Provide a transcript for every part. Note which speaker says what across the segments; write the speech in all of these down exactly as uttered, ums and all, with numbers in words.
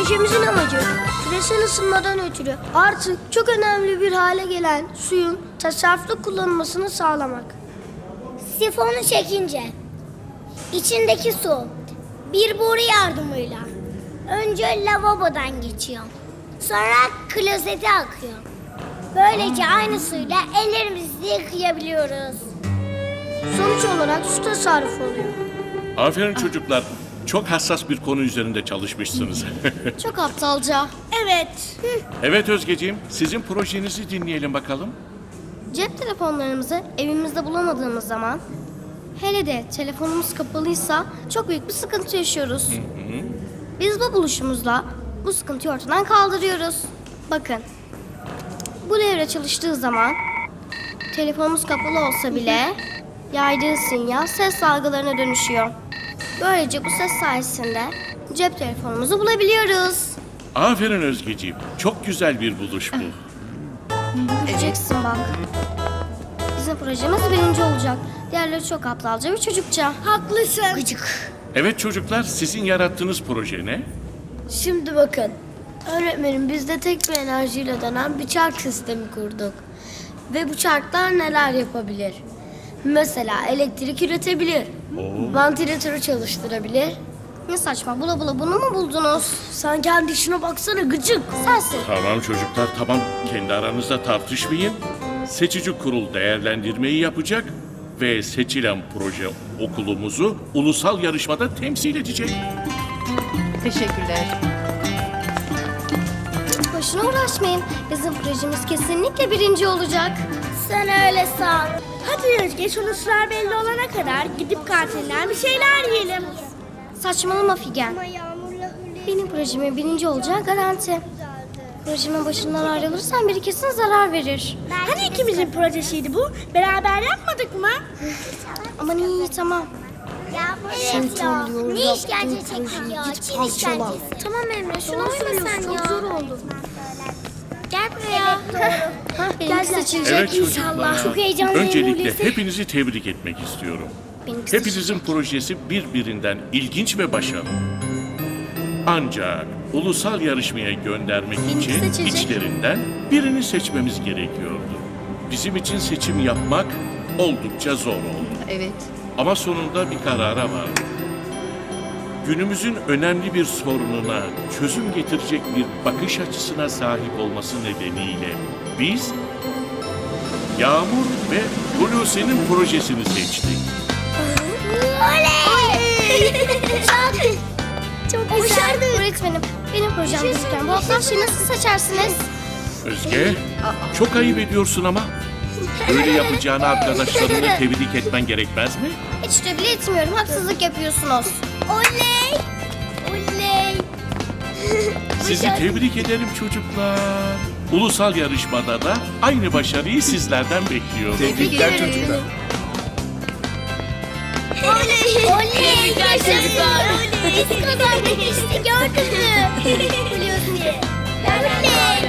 Speaker 1: Projemizin amacı küresel ısınmadan ötürü artık çok önemli bir hale gelen suyun tasarruflu kullanılmasını sağlamak.
Speaker 2: Sifonu çekince içindeki su bir boru yardımıyla önce lavabodan geçiyor. Sonra klozete akıyor. Böylece aynı suyla ellerimizi yıkayabiliyoruz.
Speaker 1: Sonuç olarak su tasarrufu oluyor.
Speaker 3: Aferin çocuklar. Çok hassas bir konu üzerinde çalışmışsınız.
Speaker 1: Çok aptalca.
Speaker 2: Evet.
Speaker 3: Evet Özgeciğim, sizin projenizi dinleyelim bakalım.
Speaker 1: Cep telefonlarımızı evimizde bulamadığımız zaman, hele de telefonumuz kapalıysa çok büyük bir sıkıntı yaşıyoruz. Biz bu buluşumuzla bu sıkıntıyı ortadan kaldırıyoruz. Bakın, bu devre çalıştığı zaman telefonumuz kapalı olsa bile yaydığı sinyal ses dalgalarına dönüşüyor. Böylece bu ses sayesinde cep telefonumuzu bulabiliyoruz.
Speaker 3: Aferin Özgeciğim. Çok güzel bir buluş bu.
Speaker 1: Göreceksin bak. Bizim projemiz birinci olacak. Diğerleri çok aptalca ve çocukça.
Speaker 2: Haklısın.
Speaker 1: Gıcık.
Speaker 3: Evet çocuklar, sizin yarattığınız proje ne?
Speaker 4: Şimdi bakın. Öğretmenim biz de tek bir enerjiyle dönen bir çark sistemi kurduk. Ve bu çarklar neler yapabilir? Mesela elektrik üretebilir. Vantilatörü çalıştırabilir.
Speaker 1: Ne saçma, bula bula bunu mu buldunuz?
Speaker 4: Sen kendi işine baksana gıcık.
Speaker 1: Sensin.
Speaker 3: Tamam çocuklar, tamam. Kendi aranızda tartışmayın. Seçici kurul değerlendirmeyi yapacak ve seçilen proje okulumuzu ulusal yarışmada temsil edecek.
Speaker 5: Teşekkürler.
Speaker 1: Boşuna uğraşmayın. Bizim projemiz kesinlikle birinci olacak.
Speaker 2: Sen öyle san.
Speaker 4: Hadi Özge sonuçlar belli olana kadar gidip kantinden bir şeyler yiyelim.
Speaker 1: Saçmalama Figen. Benim projemin birinci olacağı garanti. Projemin başından ayrılırsan biri kesin zarar verir.
Speaker 4: Hani ikimizin projesiydi bu? Beraber yapmadık mı?
Speaker 1: Aman iyi tamam.
Speaker 2: Ya evet ya. Ne işkence çektik ya. Çin işkencesi.
Speaker 1: Tamam Emre şunu
Speaker 2: Doğru
Speaker 1: uyma sen
Speaker 2: söylüyorsun,
Speaker 1: ya.
Speaker 2: çok zor
Speaker 1: oldu.
Speaker 2: Gel buraya.
Speaker 1: Hah, benimki seçilecek
Speaker 3: Evet çocuklar.
Speaker 2: Çok heyecanlıyım
Speaker 3: Öncelikle
Speaker 2: Hulusi.
Speaker 3: hepinizi tebrik etmek istiyorum.
Speaker 1: Benimki
Speaker 3: Hepinizin projesi birbirinden ilginç ve başarılı. Ancak ulusal yarışmaya göndermek
Speaker 1: Benimki
Speaker 3: için
Speaker 1: seçilecek.
Speaker 3: içlerinden birini seçmemiz gerekiyordu. Bizim için seçim yapmak oldukça zor oldu.
Speaker 5: Evet.
Speaker 3: Ama sonunda bir karara vardık. Günümüzün önemli bir sorununa çözüm getirecek bir bakış açısına sahip olması nedeniyle biz Yağmur ve Hulusi'nin projesini seçtik.
Speaker 1: Çok güzel. Öğretmenim benim projem gözüken bu hafta şeyi nasıl seçersiniz?
Speaker 3: Özge, çok ayıp ediyorsun ama. Böyle yapacağını arkadaşlarını tebrik etmen gerekmez mi?
Speaker 1: Hiç de bile etmiyorum. Haksızlık yapıyorsunuz.
Speaker 2: Oley. Oley.
Speaker 3: Sizi tebrik ederim çocuklar. Ulusal yarışmada da aynı başarıyı sizlerden bekliyorum.
Speaker 1: Tebrikler çocuklar.
Speaker 2: Oley. Oley. Yaşasın. Oley. Biz kazandık işte gördün mü? Hulusi. Oley.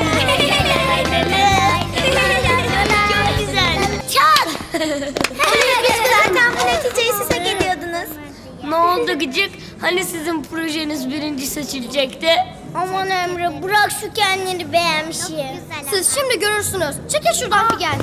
Speaker 2: Çok güzel. Çal. Zaten bu neticeyi siz hak ediyordunuz.
Speaker 4: Ne oldu gıcık? Hani sizin projeniz birinci seçilecekti?
Speaker 2: Aman Emre bırak şu kendini beğenmişi.
Speaker 1: Siz şimdi görürsünüz. Çekil şuradan Figen.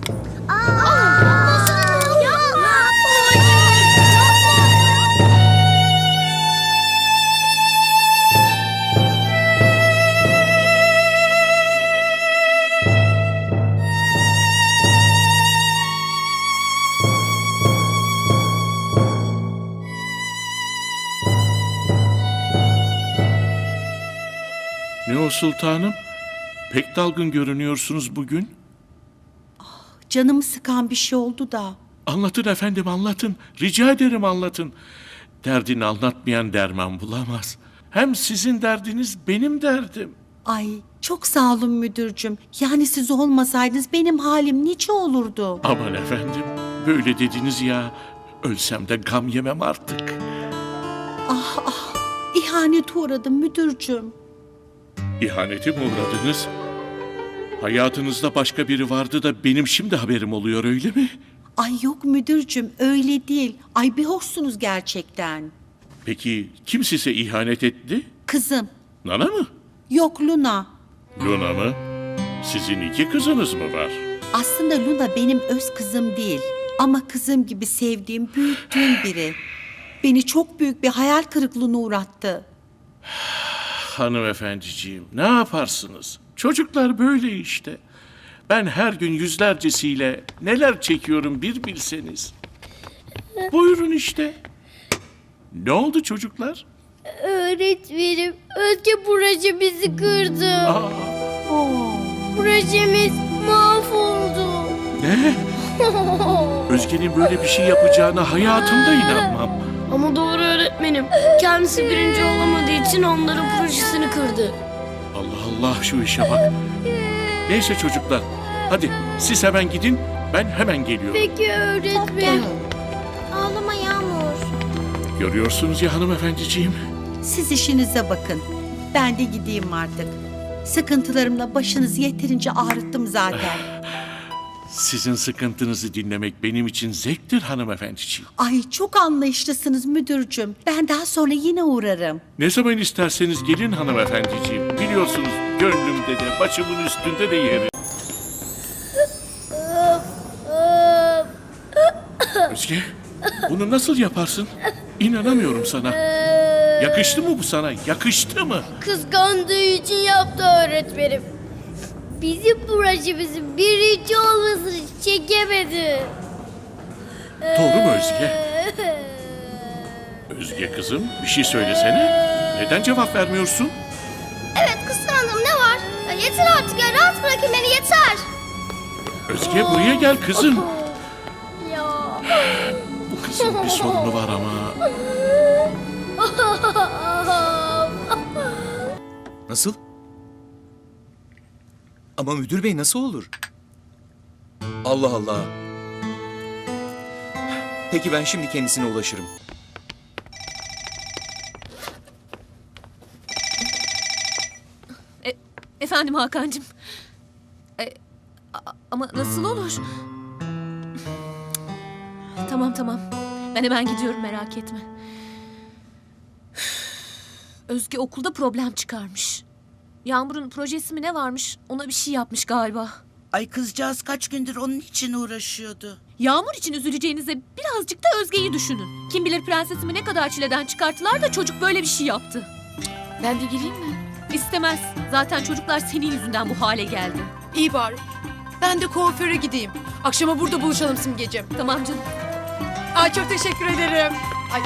Speaker 3: Ne o sultanım? Pek dalgın görünüyorsunuz bugün.
Speaker 6: Canımı sıkan bir şey oldu da.
Speaker 3: Anlatın efendim anlatın. Rica ederim anlatın. Derdini anlatmayan derman bulamaz. Hem sizin derdiniz benim derdim.
Speaker 6: Ay çok sağ olun müdürcüm. Yani siz olmasaydınız benim halim nice olurdu.
Speaker 3: Aman efendim böyle dediniz ya. Ölsem de gam yemem artık.
Speaker 6: Ah ah ihanete uğradım müdürcüm.
Speaker 3: İhanete mi uğradınız? Hayatınızda başka biri vardı da benim şimdi haberim oluyor öyle mi?
Speaker 6: Ay yok müdürcüm öyle değil. Ay bir hoşsunuz gerçekten.
Speaker 3: Peki kim size ihanet etti?
Speaker 6: Kızım
Speaker 3: Nana mı?
Speaker 6: Yok Luna.
Speaker 3: Luna mı? Sizin iki kızınız mı var?
Speaker 6: Aslında Luna benim öz kızım değil. Ama kızım gibi sevdiğim, büyüttüğüm biri. Beni çok büyük bir hayal kırıklığına uğrattı.
Speaker 3: Hanımefendiciğim, ne yaparsınız? Çocuklar böyle işte. Ben her gün yüzlercesiyle neler çekiyorum bir bilseniz. Buyurun işte. Ne oldu çocuklar?
Speaker 2: Öğretmenim, Özge projemizi kırdı.
Speaker 3: Aa,
Speaker 6: Oo.
Speaker 2: Projemiz mahvoldu.
Speaker 3: ne? Özge'nin böyle bir şey yapacağına hayatımda inanmam.
Speaker 4: Ama doğru öğretmenim. Kendisi birinci olamadığı için onların projesini kırdı.
Speaker 3: Allah Allah, şu işe bak. Neyse çocuklar, hadi siz hemen gidin, ben hemen geliyorum.
Speaker 2: Peki öğretmenim. Ağlama Yağmur.
Speaker 3: Görüyorsunuz ya hanımefendiciğim.
Speaker 6: Siz işinize bakın. Ben de gideyim artık. Sıkıntılarımla başınızı yeterince ağrıttım zaten.
Speaker 3: Sizin sıkıntınızı dinlemek benim için zevktir hanımefendiciğim.
Speaker 6: Ay çok anlayışlısınız müdürcüm. Ben daha sonra yine uğrarım.
Speaker 3: Ne zaman isterseniz gelin hanımefendiciğim. Biliyorsunuz gönlümde de başımın üstünde de yeri. Özge, bunu nasıl yaparsın? İnanamıyorum sana. Yakıştı mı bu sana? Yakıştı mı?
Speaker 2: Kıskandığı için yaptı öğretmenim. Bizim projemizin birinci olmasını çekemedi.
Speaker 3: Doğru mu Özge? Özge kızım, bir şey söylesene. Neden cevap vermiyorsun?
Speaker 1: Evet kıskandım, ne var? Ya yeter artık ya, rahat bırakın beni, yeter.
Speaker 3: Özge buraya gel kızım.
Speaker 2: Ya.
Speaker 3: Bu kızın bir sorunu var ama.
Speaker 5: Nasıl? Ama müdür bey nasıl olur? Allah Allah. Peki ben şimdi kendisine ulaşırım.
Speaker 7: E, efendim Hakan'cığım. E, a- ama nasıl olur? Tamam tamam. Ben hemen gidiyorum, merak etme. Özge okulda problem çıkarmış. Yağmur'un projesi mi ne varmış? Ona bir şey yapmış galiba.
Speaker 8: Ay kızcağız kaç gündür onun için uğraşıyordu.
Speaker 7: Yağmur için üzüleceğinize birazcık da Özge'yi düşünün. Kim bilir prensesimi ne kadar çileden çıkarttılar da çocuk böyle bir şey yaptı.
Speaker 9: Ben de gireyim mi?
Speaker 7: İstemez. Zaten çocuklar senin yüzünden bu hale geldi.
Speaker 9: İyi bari. Ben de kuaföre gideyim. Akşama burada buluşalım Simgeciğim.
Speaker 7: Tamam canım.
Speaker 9: Ay çok teşekkür ederim. Ay.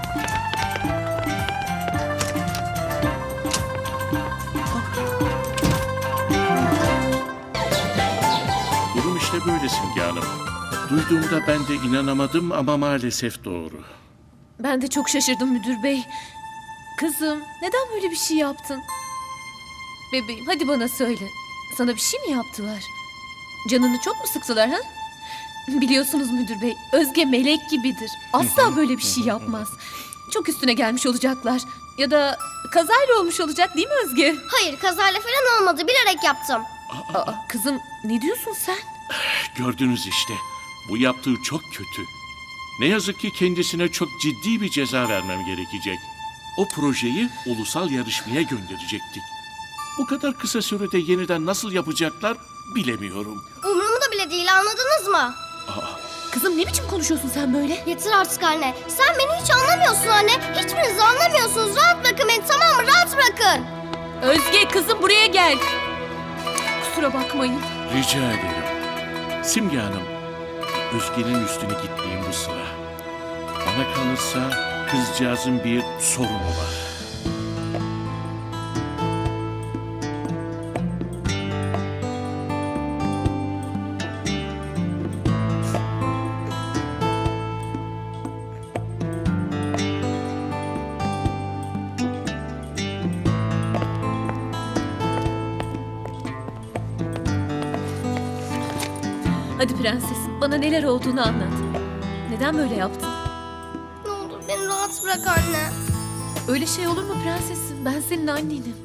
Speaker 3: Durum işte böyle Simge Hanım. Duyduğumda ben de inanamadım ama maalesef doğru.
Speaker 7: Ben de çok şaşırdım müdür bey. Kızım, neden böyle bir şey yaptın? Bebeğim, hadi bana söyle. Sana bir şey mi yaptılar? Canını çok mu sıktılar ha? Biliyorsunuz müdür bey, Özge melek gibidir. Asla böyle bir şey yapmaz. Çok üstüne gelmiş olacaklar. Ya da kazayla olmuş olacak değil mi Özge?
Speaker 1: Hayır, kazayla falan olmadı, bilerek yaptım.
Speaker 7: Aa, kızım ne diyorsun sen?
Speaker 3: Gördünüz işte. Bu yaptığı çok kötü. Ne yazık ki kendisine çok ciddi bir ceza vermem gerekecek. O projeyi ulusal yarışmaya gönderecektik. Bu kadar kısa sürede yeniden nasıl yapacaklar bilemiyorum.
Speaker 1: Umurumda bile değil, anladınız mı?
Speaker 7: Kızım ne biçim konuşuyorsun sen böyle?
Speaker 1: Yeter artık anne. Sen beni hiç anlamıyorsun anne. Hiçbiriniz anlamıyorsunuz. Rahat bırakın beni, tamam mı? Rahat bırakın.
Speaker 7: Özge kızım buraya gel. Kusura bakmayın.
Speaker 3: Rica ederim. Simge Hanım, Özge'nin üstüne gitmeyeyim bu sıra. Bana kalırsa kızcağızın bir sorunu var.
Speaker 7: Hadi prensesim, bana neler olduğunu anlat. Neden böyle yaptın?
Speaker 1: Ne olur beni rahat bırak anne.
Speaker 7: Öyle şey olur mu prensesim? Ben senin annenim.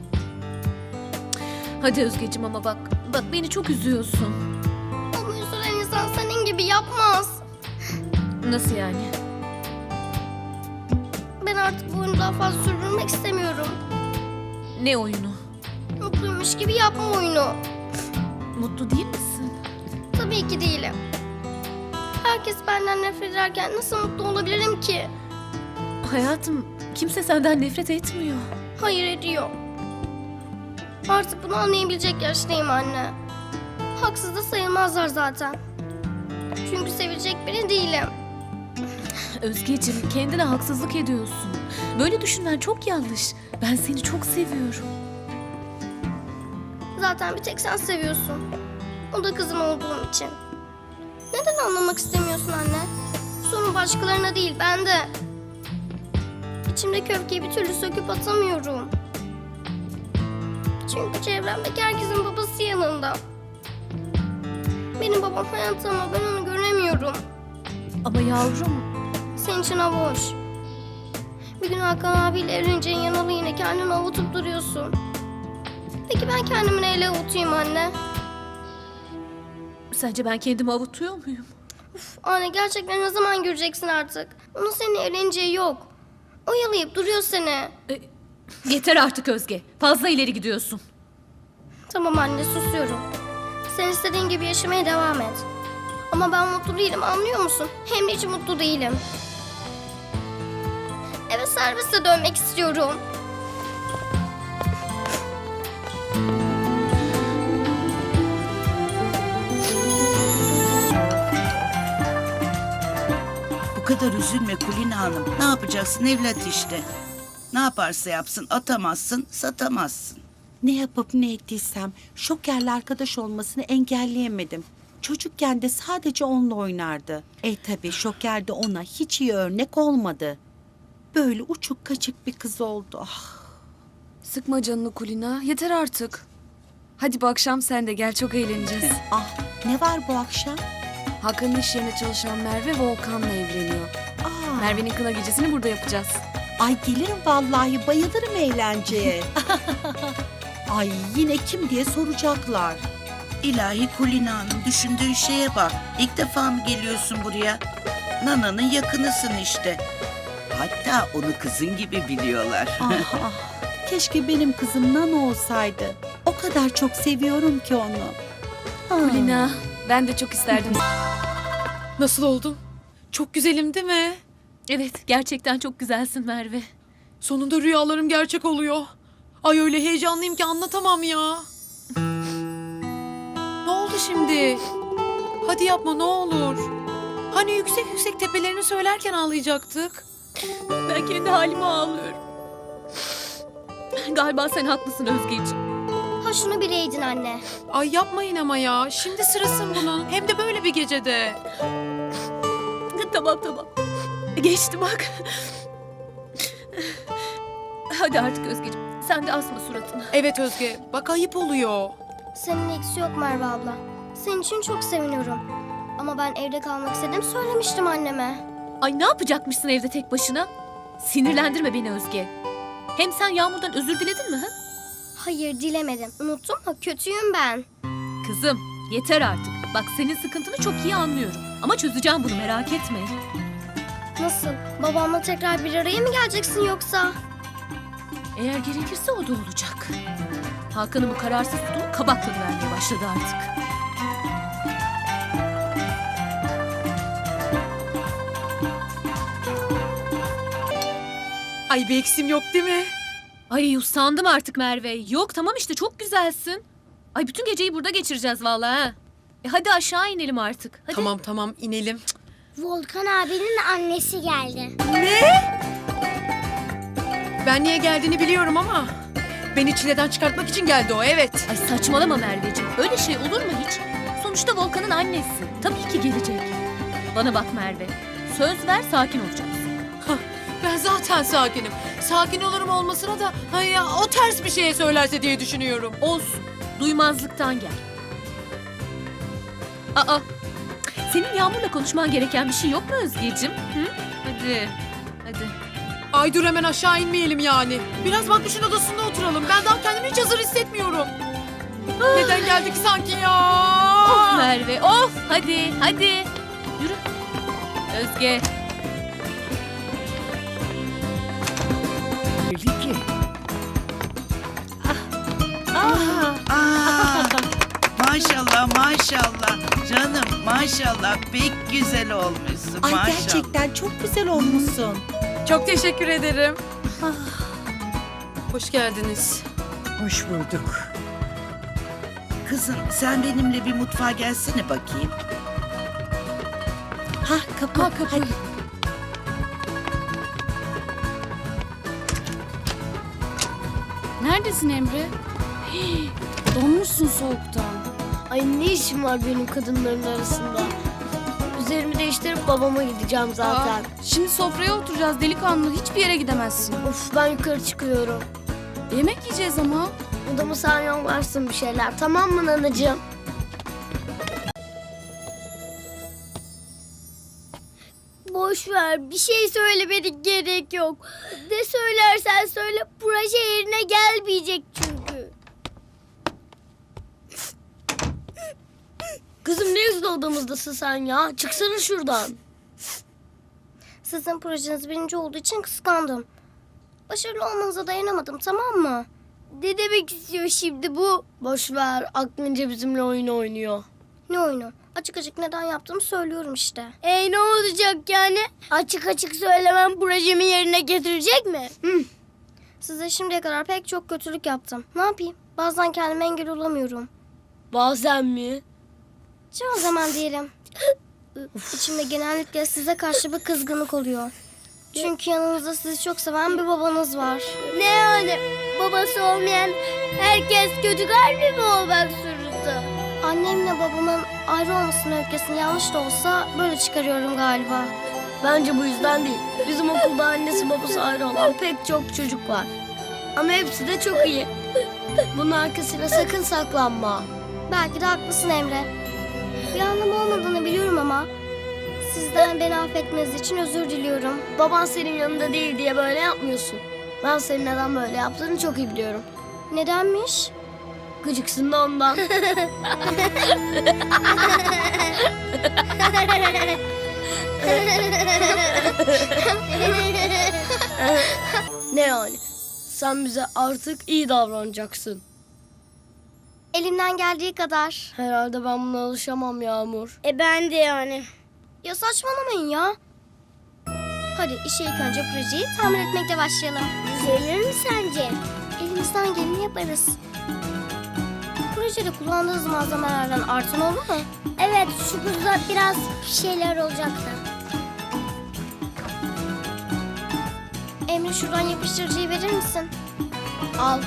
Speaker 7: Hadi Özgeciğim ama bak, bak beni çok üzüyorsun.
Speaker 1: Ama üzülen insan senin gibi yapmaz.
Speaker 7: Nasıl yani?
Speaker 1: Ben artık bu oyunu daha fazla sürdürmek istemiyorum.
Speaker 7: Ne oyunu?
Speaker 1: Mutluymuş gibi yapma oyunu.
Speaker 7: Mutlu değil misin?
Speaker 1: Tabii ki değilim. Herkes benden nefret ederken nasıl mutlu olabilirim ki?
Speaker 7: Hayatım, kimse senden nefret etmiyor.
Speaker 1: Hayır ediyor. Artık bunu anlayabilecek yaştayım anne. Haksız da sayılmazlar zaten. Çünkü sevecek biri değilim.
Speaker 7: Özgeciğim, kendine haksızlık ediyorsun. Böyle düşünmen çok yanlış. Ben seni çok seviyorum.
Speaker 1: Zaten bir tek sen seviyorsun. O da kızım olduğum için. Neden anlamak istemiyorsun anne? Sorun başkalarına değil, bende. İçimdeki öfkeyi bir türlü söküp atamıyorum. Çünkü çevremdeki herkesin babası yanında. Benim babam hayatta ama ben onu göremiyorum.
Speaker 7: Ama yavrum,
Speaker 1: Senin için hava hoş. Bir gün Hakan abiyle evleneceğin yanalı yine kendini avutup duruyorsun. Peki ben kendimi neyle avutayım anne?
Speaker 7: sence ben kendimi avutuyor muyum?
Speaker 1: Uf, anne gerçekten ne zaman göreceksin artık? Onun seninle evleneceği yok. Oyalayıp duruyor seni.
Speaker 7: E, yeter artık Özge. Fazla ileri gidiyorsun.
Speaker 1: Tamam anne susuyorum. Sen istediğin gibi yaşamaya devam et. Ama ben mutlu değilim anlıyor musun? Hem de hiç mutlu değilim. Eve serviste dönmek istiyorum.
Speaker 8: Bu kadar üzülme Kulina Hanım. Ne yapacaksın evlat işte. Ne yaparsa yapsın atamazsın, satamazsın.
Speaker 6: Ne yapıp ne ettiysem Şoker'le arkadaş olmasını engelleyemedim. Çocukken de sadece onunla oynardı. E tabii Şoker de ona hiç iyi örnek olmadı. Böyle uçuk kaçık bir kız oldu. Ah.
Speaker 9: Sıkma canını Kulina. Yeter artık. Hadi bu akşam sen de gel, çok eğleneceğiz.
Speaker 6: Ah, ne var bu akşam?
Speaker 9: Hakan'ın iş yerine çalışan Merve Volkan'la evleniyor.
Speaker 6: Aa,
Speaker 9: Merve'nin kına gecesini burada yapacağız.
Speaker 6: ay gelirim vallahi, bayılırım eğlenceye. Ay yine kim diye soracaklar.
Speaker 8: İlahi Kulina Hanım, düşündüğün şeye bak. İlk defa mı geliyorsun buraya? Nana'nın yakınısın işte. Hatta onu kızın gibi biliyorlar.
Speaker 6: Ah ah, keşke benim kızım Nana olsaydı. O kadar çok seviyorum ki onu. Ah.
Speaker 9: Kulina, ben de çok isterdim. Nasıl oldum? Çok güzelim değil mi?
Speaker 7: Evet, gerçekten çok güzelsin Merve.
Speaker 9: Sonunda rüyalarım gerçek oluyor. Ay öyle heyecanlıyım ki anlatamam ya. Ne oldu şimdi? Hadi yapma ne olur. Hani yüksek yüksek tepelerini söylerken ağlayacaktık.
Speaker 7: Ben kendi halime ağlıyorum. Galiba sen haklısın Özgeciğim.
Speaker 1: Ha şunu bileydin anne.
Speaker 9: Ay yapmayın ama ya. Şimdi sırası mı bunun? Hem de böyle bir gecede.
Speaker 7: Tamam tamam. Geçti bak. Hadi artık Özgeciğim. Sen de asma suratını.
Speaker 9: Evet Özge. Bak ayıp oluyor.
Speaker 1: Senin eksi yok Merve abla. Senin için çok seviniyorum. Ama ben evde kalmak istedim söylemiştim anneme.
Speaker 7: Ay ne yapacakmışsın evde tek başına? Sinirlendirme beni Özge. Hem sen Yağmur'dan özür diledin mi? Ha?
Speaker 1: Hayır dilemedim. Unuttun mu? Kötüyüm ben.
Speaker 7: Kızım yeter artık. Bak senin sıkıntını çok iyi anlıyorum. Ama çözeceğim bunu merak etme.
Speaker 1: Nasıl? Babamla tekrar bir araya mı geleceksin yoksa?
Speaker 7: Eğer gerekirse o da olacak. Hakan'ın bu kararsız tutumu kabak tadı vermeye başladı artık.
Speaker 9: Ay bir eksim yok değil mi?
Speaker 7: Ay usandım artık Merve. Yok tamam işte çok güzelsin. Ay bütün geceyi burada geçireceğiz vallahi ha. E hadi aşağı inelim artık. Hadi.
Speaker 9: Tamam tamam inelim.
Speaker 2: Volkan abinin annesi geldi.
Speaker 9: Ben niye geldiğini biliyorum ama beni çileden çıkartmak için geldi o, evet.
Speaker 7: Ay saçmalama Merveciğim. Öyle şey olur mu hiç? Sonuçta Volkan'ın annesi. Tabii ki gelecek. Bana bak Merve. Söz ver sakin olacaksın.
Speaker 9: Hah, ben zaten sakinim. Sakin olurum olmasına da hay ya, o ters bir şeye söylerse diye düşünüyorum.
Speaker 7: Olsun. Duymazlıktan gel. Aa. Senin Yağmur'la konuşman gereken bir şey yok mu Özgeciğim? Hı? Hadi. Hadi.
Speaker 9: Ay dur hemen aşağı inmeyelim yani. Biraz Makbuş'un odasında oturalım. Ben daha kendimi hiç hazır hissetmiyorum. Neden geldik sanki ya?
Speaker 7: Of Merve of. Hadi hadi. Yürü. Özge.
Speaker 8: maşallah. Canım maşallah pek güzel olmuşsun
Speaker 6: Ay
Speaker 8: maşallah.
Speaker 6: gerçekten çok güzel olmuşsun.
Speaker 9: Çok teşekkür ederim. Hoş geldiniz.
Speaker 10: Hoş bulduk.
Speaker 8: Kızım sen benimle bir mutfağa gelsene bakayım.
Speaker 6: Ha kapı.
Speaker 9: Ha, kapı.
Speaker 6: Hadi.
Speaker 2: Neredesin Emre? Hii, donmuşsun soğuktan.
Speaker 4: Ay ne işim var benim kadınların arasında? Üzerimi değiştirip babama gideceğim zaten.
Speaker 2: Aa, şimdi sofraya oturacağız delikanlı. Hiçbir yere gidemezsin.
Speaker 4: Of ben yukarı çıkıyorum.
Speaker 2: Yemek yiyeceğiz ama.
Speaker 4: Odamı sen yollarsın bir şeyler. Tamam mı nanacığım? Boş ver. Bir şey söylemedik gerek yok. Ne söylersen söyle proje yerine gelmeyecek çünkü. Kızım ne yüzle odamızdasın sen ya? Çıksana şuradan.
Speaker 1: Sizin projeniz birinci olduğu için kıskandım. Başarılı olmanıza dayanamadım, tamam mı?
Speaker 4: Ne demek istiyor şimdi bu? Boş ver. Aklınca bizimle oyun oynuyor.
Speaker 1: Ne oyunu? Açık açık neden yaptığımı söylüyorum işte.
Speaker 4: E ne olacak yani? Açık açık söylemem projemi yerine getirecek mi? Hı.
Speaker 1: Size şimdiye kadar pek çok kötülük yaptım. Ne yapayım? Bazen kendime engel olamıyorum.
Speaker 4: Bazen mi?
Speaker 1: Çoğu zaman diyelim. İçimde genellikle size karşı bir kızgınlık oluyor. Çünkü yanınızda sizi çok seven bir babanız var.
Speaker 4: Ne yani? Babası olmayan herkes kötü kalpli mi olmak zorunda?
Speaker 1: Annemle babamın ayrı olmasının öyküsünü yanlış da olsa böyle çıkarıyorum galiba.
Speaker 4: Bence bu yüzden değil. Bizim okulda annesi babası ayrı olan pek çok çocuk var. Ama hepsi de çok iyi. Bunun arkasına sakın saklanma.
Speaker 1: Belki de haklısın Emre. Bir anlamı olmadığını biliyorum ama sizden beni affetmeniz için özür diliyorum.
Speaker 4: Baban senin yanında değil diye böyle yapmıyorsun. Ben senin neden böyle yaptığını çok iyi biliyorum.
Speaker 1: Nedenmiş?
Speaker 4: Gıcıksın da ondan. Ne yani? Sen bize artık iyi davranacaksın.
Speaker 1: Elimden geldiği kadar.
Speaker 4: Herhalde ben buna alışamam Yağmur. E ben de yani.
Speaker 1: Ya saçmalamayın ya. Hadi işe ilk önce projeyi tamir etmekle başlayalım.
Speaker 4: Düzelir mi sence?
Speaker 1: Elimizden geleni yaparız. Projede kullandığınız malzemelerden artan oldu mu?
Speaker 4: Evet, şu buzda biraz şeyler olacaktı.
Speaker 1: Emre şuradan yapıştırıcıyı verir misin? Al.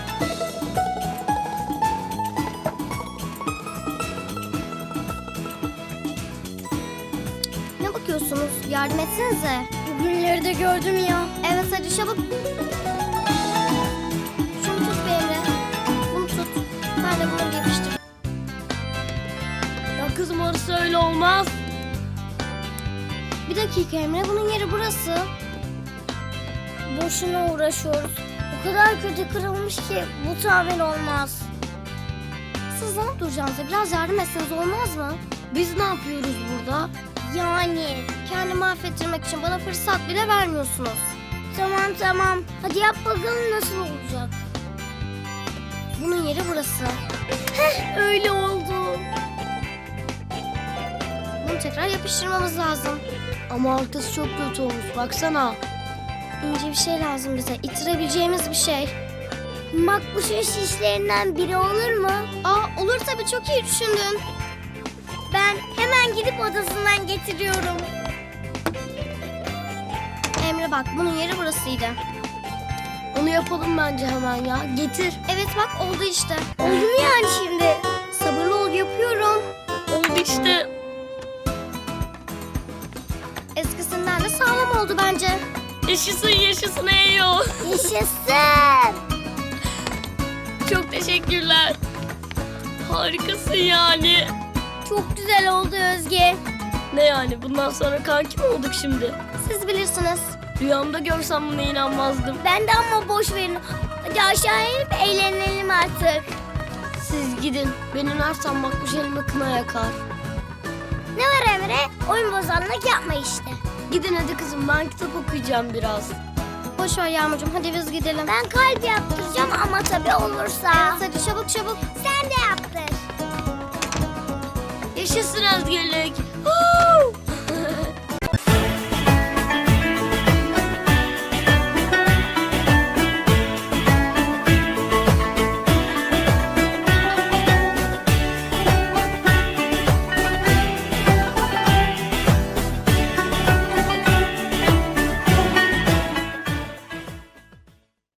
Speaker 1: Ne bakıyorsunuz? Yardım etsenize.
Speaker 4: Bugünleri de gördüm ya.
Speaker 1: Evet hadi çabuk. Şunu tut be Emre. Bunu tut. Ben de bunu yapıştır.
Speaker 4: Ya kızım orası öyle olmaz.
Speaker 1: Bir dakika Emre, bunun yeri burası.
Speaker 4: Boşuna uğraşıyoruz. O kadar kötü kırılmış ki bu tamir olmaz.
Speaker 1: Siz ne duracağınıza biraz yardım etseniz olmaz mı?
Speaker 4: Biz ne yapıyoruz burada?
Speaker 1: Yani kendimi affettirmek için bana fırsat bile vermiyorsunuz.
Speaker 4: Tamam tamam. Hadi yap bakalım nasıl olacak.
Speaker 1: Bunun yeri burası.
Speaker 4: Öyle oldu.
Speaker 1: Bunu tekrar yapıştırmamız lazım.
Speaker 4: Ama arkası çok kötü olmuş. Baksana.
Speaker 1: İnce bir şey lazım bize. İttirebileceğimiz bir şey.
Speaker 4: Makbuşun şişlerinden biri olur mu?
Speaker 1: Aa olur tabii, çok iyi düşündün.
Speaker 4: Ben hemen gidip odasından getiriyorum.
Speaker 1: Emre bak, bunun yeri burasıydı.
Speaker 4: Onu yapalım bence hemen ya. Getir.
Speaker 1: Evet bak, oldu işte.
Speaker 4: Oldu mu yani şimdi?
Speaker 1: Sabırlı ol, yapıyorum.
Speaker 4: Oldu işte.
Speaker 1: Eskisinden de sağlam oldu bence.
Speaker 4: Yaşasın yaşasın Eyo.
Speaker 1: Yaşasın.
Speaker 4: Çok teşekkürler. Harikasın yani.
Speaker 1: Çok güzel oldu Özge.
Speaker 4: Ne yani bundan sonra kanki mi olduk şimdi?
Speaker 1: Siz bilirsiniz.
Speaker 4: Rüyamda görsem buna inanmazdım.
Speaker 1: Ben de ama boş verin. Hadi aşağı inip eğlenelim artık.
Speaker 4: Siz gidin. Beni nereden Makbuş elime kına yakar.
Speaker 1: Ne var Emre? Oyun bozanlık yapma işte.
Speaker 4: Gidin hadi kızım, ben kitap okuyacağım biraz.
Speaker 1: Boş ver Yağmurcuğum, hadi biz gidelim.
Speaker 2: Ben kalp yaptıracağım ama tabii olursa.
Speaker 1: Evet hadi çabuk çabuk.
Speaker 2: Sen de yaptır.
Speaker 4: Yaşasın özgürlük.